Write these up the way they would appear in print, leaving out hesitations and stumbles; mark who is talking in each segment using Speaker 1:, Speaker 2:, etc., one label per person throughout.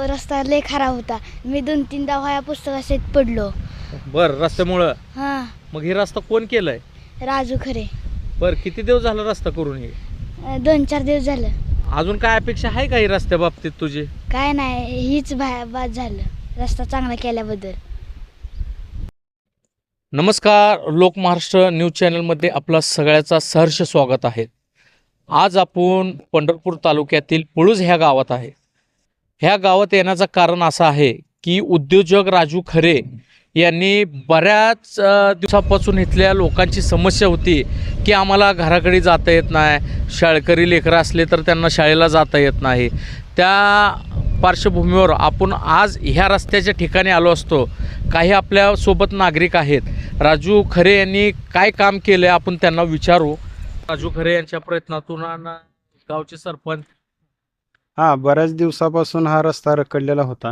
Speaker 1: रस्ता लय खराब होता. मी 2-3दा वह्या पुस्तकात पडलो.
Speaker 2: बर रस्त्यामुळं.
Speaker 1: हां.
Speaker 2: मग हे रस्ता कोण केलाय?
Speaker 1: राजू खरे.
Speaker 2: बर किती दिवस झाला रस्ता करून हे?
Speaker 1: 2-4 दिवस झालं.
Speaker 2: अजून काय अपेक्षा आहे का ही रस्त्या बाबतीत तुझी?
Speaker 1: काय नाही, हीच बाद झालं रस्ता चांगला केल्याबद्दल.
Speaker 2: नमस्कार, लोक महाराष्ट्र न्यूज चॅनलमध्ये आपला सगळ्याचा सहर्ष स्वागत आहे. आज आपण पंढरपूर तालुक्यातील पुळूज ह्या गावात आहे. ह्या गावात येण्याचं कारण असं आहे की उद्योजक राजू खरे यांनी बऱ्याच दिवसापासून इथल्या लोकांची समस्या होती की आम्हाला घराकडे जाता येत नाही, शाळकरी लेकरं असले तर त्यांना शाळेला जाता येत नाही. त्या पार्श्वभूमीवर आपण आज ह्या रस्त्याच्या ठिकाणी आलो असतो. काही आपल्यासोबत नागरिक आहेत. राजू खरे यांनी काय काम केलं आहे आपण त्यांना विचारू. राजू खरे यांच्या प्रयत्नातून गावचे सरपंच
Speaker 3: बऱ्याच दिवसापासून हा रस्ता रखडलेला होता.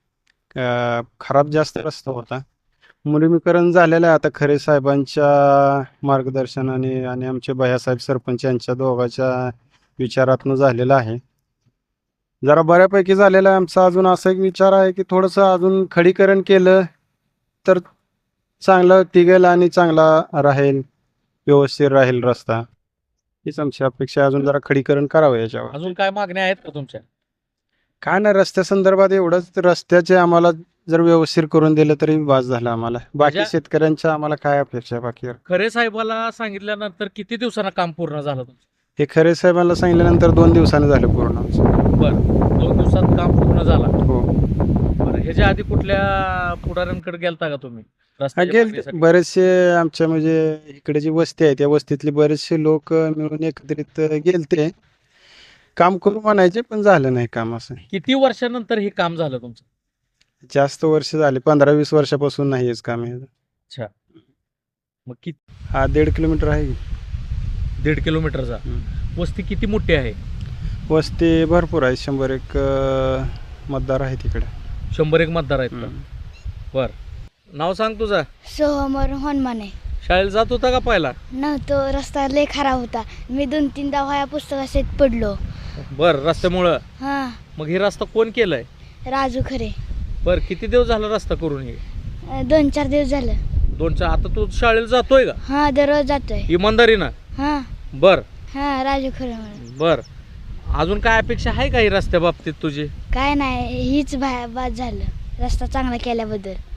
Speaker 3: खराब जास्त रस्ता होता. मुलीमीकरण झालेलं आहे आता खरे साहेबांच्या मार्गदर्शनाने आणि आमचे भैयासाहेब सरपंच यांच्या दोघांच्या विचारातून झालेलं आहे. जरा बऱ्यापैकी झालेलं आहे. आमचा अजून असा एक विचार आहे की थोडंसं अजून खडीकरण केलं तर चांगलं टिकेल आणि चांगला राहील, व्यवस्थित राहील रस्ता. हीच आमची अपेक्षा आहे. अजून जरा खडीकरण करावं याच्यावर.
Speaker 2: अजून काय मागण्या आहेत का तुमच्या?
Speaker 3: काय नाही, रस्त्या संदर्भात एवढंच, रस्त्याचे आम्हाला जर व्यवस्थित करून दिलं तरी बास झालं आम्हाला. बाकी शेतकऱ्यांच्या आम्हाला काय अपेक्षा आहे बाकी?
Speaker 2: खरे साहेबाला सांगितल्यानंतर किती दिवसांना काम पूर्ण झालं तुमचं?
Speaker 3: हे खरे साहेबांना सांगितल्यानंतर 2 दिवसांनी झालं पूर्ण आमचं.
Speaker 2: बरं, 2 दिवसात काम पूर्ण झाला.
Speaker 3: हो.
Speaker 2: बरं, ह्याच्या आधी कुठल्या पुढाऱ्यांकडे गेलता का तुम्ही?
Speaker 3: गेलते बरेचसे आमच्या म्हणजे इकडे जी वस्ती आहे त्या वस्तीतले बरेचसे लोक मिळून एकत्रित गेलते. काम करू म्हणायचे पण झालं नाही काम. असं
Speaker 2: किती वर्षानंतर हे काम झालं तुमचं?
Speaker 3: जास्त वर्ष झाले, 15-20 वर्षापासून नाही हेच काम आहे.
Speaker 2: अच्छा, मग किती?
Speaker 3: 1.5 किलोमीटर आहे.
Speaker 2: 1.5 किलोमीटरचा. वस्ती किती मोठी आहे?
Speaker 3: वस्ती भरपूर आहे. 100-1 मतदार आहे तिकडे.
Speaker 2: 100-1 मतदार आहेत का? बर, नाव सांग तुझं.
Speaker 1: सोहमर हनुमाने.
Speaker 2: शाळेला जात होता का पहिला?
Speaker 1: नव्हतो, रस्ता लय खराब होता. मी 2-3दा वह्या पुस्तकात पडलो.
Speaker 2: बर रस्त्यामुळं.
Speaker 1: हां.
Speaker 2: मग हे रस्ता कोण केलाय?
Speaker 1: राजू खरे.
Speaker 2: बर किती दिवस झाला रस्ता करून हे?
Speaker 1: 2-4 दिवस झालं.
Speaker 2: 2-4. आता तू शाळेला जातोय का?
Speaker 1: हां, दररोज जातोय.
Speaker 2: इमानदारीनं?
Speaker 1: हां.
Speaker 2: बर
Speaker 1: हां, राजू खरे म्हणून.
Speaker 2: बर, अजून काय अपेक्षा आहे का ही रस्त्या बाबतीत तुझी?
Speaker 1: काय नाही, हीच बाद झालं रस्ता चांगला केल्याबद्दल.